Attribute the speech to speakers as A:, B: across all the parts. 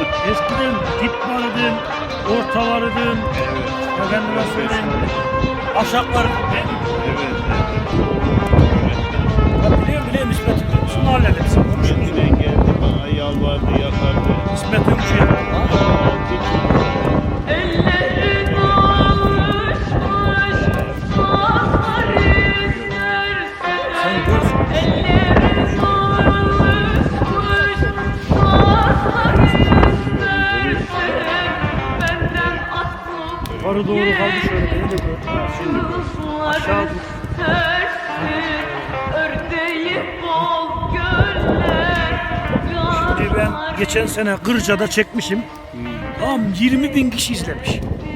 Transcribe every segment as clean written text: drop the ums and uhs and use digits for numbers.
A: Eskiden dip vardı, orta vardı.
B: Evet.
A: Efendime söyleyeyim. Aşak vardı.
B: Evet.
A: Biliyorum İsmet'im. Şunu halledelim. Sen konuşuruz.
B: Kendine geldi bana yalvardı yakardı.
A: İsmet'im şu ya.
C: Ellerin alışmış, sazlar izlersin.
A: Sen gör.
C: Ellerin alışmış, sazlar izlersin. Benden atlıp
A: Yukarı doğru kaldı şöyle. Beni de gör. Şimdi aşağı dur.
C: tersin. Ördeği bol göller.
A: Şimdi ben geçen sene Kırca'da çekmişim. Tam 20.000 kişi izlemiş.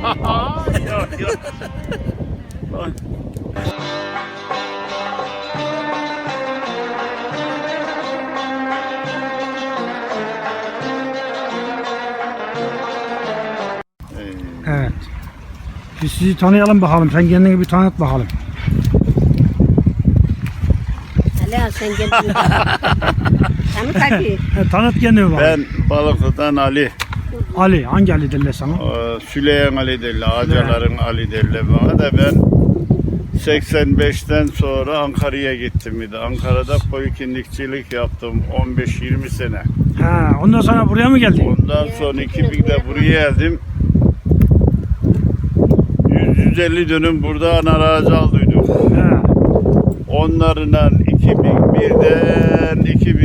A: Evet. Biz sizi tanıyalım bakalım. Sen kendini bir tanıt bakalım.
D: Hala sen gel. Tanı tabii.
A: Tanıt kendini bakalım.
B: Ben Balıklı'dan Ali.
A: Ali. Hangi Ali derler sana?
B: Süleyman Ali derler. Ağacaların Ali derler bana da ben 85'ten sonra Ankara'ya gittim. Bir de Ankara'da koyu kindikçilik yaptım 15-20 sene.
A: Ha, ondan sonra buraya mı geldin?
B: Ondan sonra 2000'de buraya geldim. 150 dönüm burada arazi aldıydık.
A: Ha.
B: Onlarla 2001'den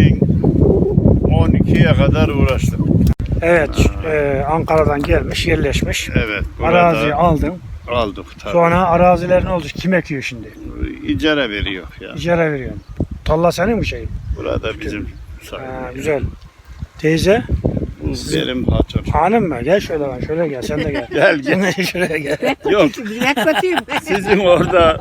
B: 2012'ye kadar uğraştım.
A: Evet, Ankara'dan gelmiş, yerleşmiş.
B: Evet.
A: Araziyi aldın.
B: Aldık tabii.
A: Sonra araziler ne oldu? Kim ekiyor şimdi?
B: İcara veriyor ya.
A: İcara veriyorsun. Tarla senin mi şey?
B: Burada bizim
A: Ha, güzel. Teyze,
B: Bu benim hatun.
A: hanım mı? Gel şöyle lan, şöyle gel. Sen de gel.
B: Gel gel.
A: Sen de şuraya gel.
B: Yok
D: Ne kötüyüm.
B: sizin orada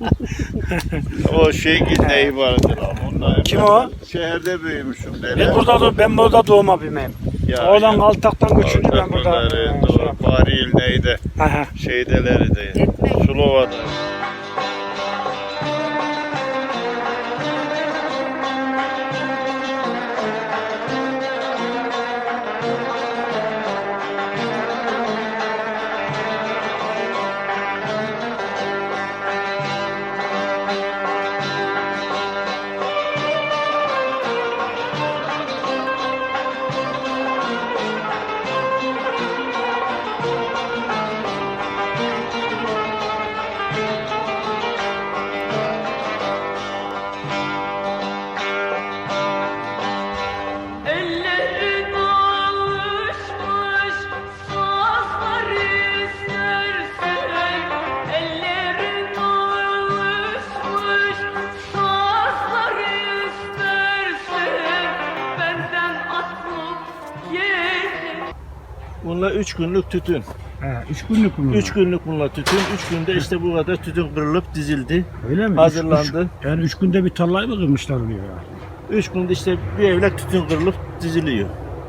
B: o şey neyi vardır ama onlar.
A: Kim o?
B: Şehirde büyümüşüm.
A: Ben burada doğma büyümeyim. Oradan Altak'tan göçündü ben burada.
B: Faril neydi?
A: Aha.
B: Şeydeleri de.
D: Etmek.
B: Sulova'da.
C: Ellerin alışmış, sazlar izlersin. Ellerin alışmış, sazlar izlersin. Benden atlıp gelin.
E: Bunlar 3 günlük tütün.
A: Ha, 3 günlük mü?
E: 3 günlük bunlar tütün. 3 günde işte bu kadar tütün kırılıp dizildi.
A: Öyle mi?
E: Hazırlandı.
A: Yani 3 günde bir tarlayı mı kırmışlar oluyor ya?
E: 3 günde işte bir evlek tütün kırılıp diziliyor.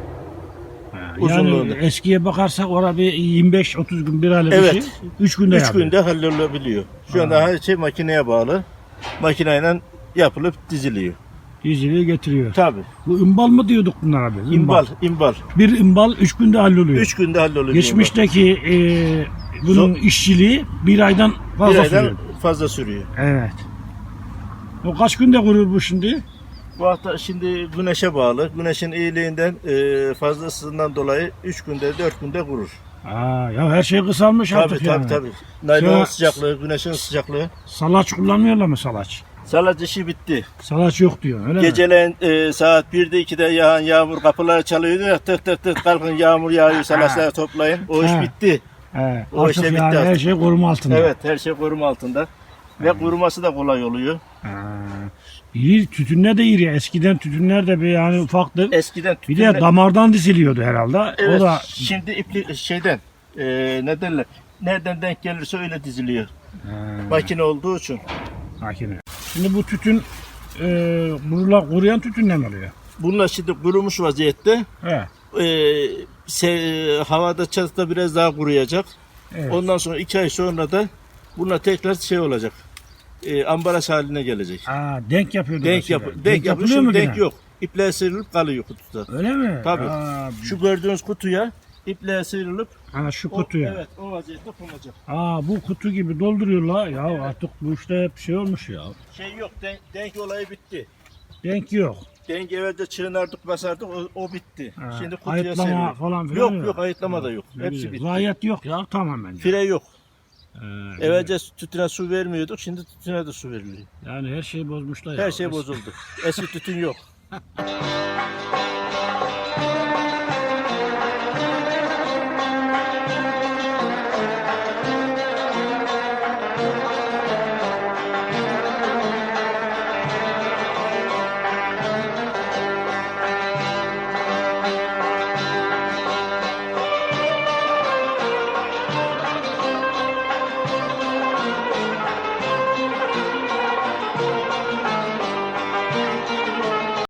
A: Yani
E: Uzunluğunda.
A: eskiye bakarsak orada bir 25-30 gün bir aylık
E: Evet.
A: bir şey. 3 günde
E: 3
A: yapıyor.
E: günde hallolabiliyor. Şu anda her şey makineye bağlı. Makineyle yapılıp diziliyor.
A: Diziliği getiriyor.
E: Tabii.
A: Bu imbal mı diyorduk bunlar abi?
E: İmbal.
A: Bir imbal 3 günde halloluyor.
E: 3 günde halloluyor.
A: Geçmişteki bunun işçiliği bir aydan
E: bir
A: fazla
E: aydan
A: sürüyor.
E: fazla sürüyor.
A: Evet. O kaç günde kurur bu şimdi?
E: Bu hafta şimdi güneşe bağlı. Güneşin iyiliğinden fazlasından dolayı 3 günde 4 günde kurur.
A: Aa, ya her şey kısalmış artık
E: Tabii
A: yani.
E: tabii. Naylonun
A: Ya-
E: sıcaklığı, güneşin sıcaklığı.
A: Salaç kullanmıyorlar mı salaç?
E: Salat işi bitti.
A: Salaç yok diyor öyle mi?
E: Geceleyin saat 1'de 2'de yağan yağmur kapıları çalıyordu ya tık tık tık kalkın yağmur yağıyor salatları toplayın. O iş
A: Ha.
E: bitti.
A: He,
E: O
A: artık
E: işte bitti
A: yani her
E: artık.
A: şey koruma altında.
E: Evet her şey koruma altında. Ve kuruması da kolay oluyor.
A: Ha. İri, tütünler de iri. Eskiden tütünler de bir yani ufaktı.
E: Eskiden
A: Bir
E: tütünle-
A: de damardan diziliyordu herhalde.
E: Evet,
A: O da
E: şimdi ipli şeyden ne derler? Nereden denk gelirse öyle diziliyor.
A: Ha,
E: Makine olduğu için.
A: makine. Şimdi bu tütün buralar kuruyan tütünle mi oluyor?
E: Bunlar şimdi kurumuş vaziyette.
A: He.
E: Havada çatıda biraz daha kuruyacak.
A: Evet.
E: Ondan sonra 2 ay sonra da bunlar tekrar şey olacak. Ambalaj haline gelecek.
A: Aa, denk yapıyordu.
E: Denk
A: mesela.
E: yapıyor. Denk yapıyor.
A: yapılıyor mu
E: Şimdi denk
A: yine?
E: yok. iple sıyrılıp kalıyor kutuda.
A: Öyle mi?
E: Tabii.
A: Ha,
E: Şu gördüğünüz kutuya iple sıyrılıp
A: şu
E: o,
A: kutuya.
E: evet o vaziyette konacak.
A: Bu kutu gibi dolduruyorlar. Ya artık bu işte hep şey olmuş ya.
E: Şey yok, denk olayı bitti.
A: Denk yok.
E: Denk evvelce çığınardık basardık o bitti.
A: Ha,
E: Şimdi kutuya
A: ayıtlama
E: seriyor.
A: falan filan
E: Yok ayıtlama da yok.
A: Ne
E: Hepsi
A: güzel.
E: bitti.
A: Zayiat yok ya tamamen.
E: Fire yok.
A: Güzel.
E: Evvelce tütüne su vermiyorduk, şimdi tütüne de su veriliyor.
A: Yani her şeyi bozmuşlar ya.
E: Her şey bozuldu. Eski tütün yok.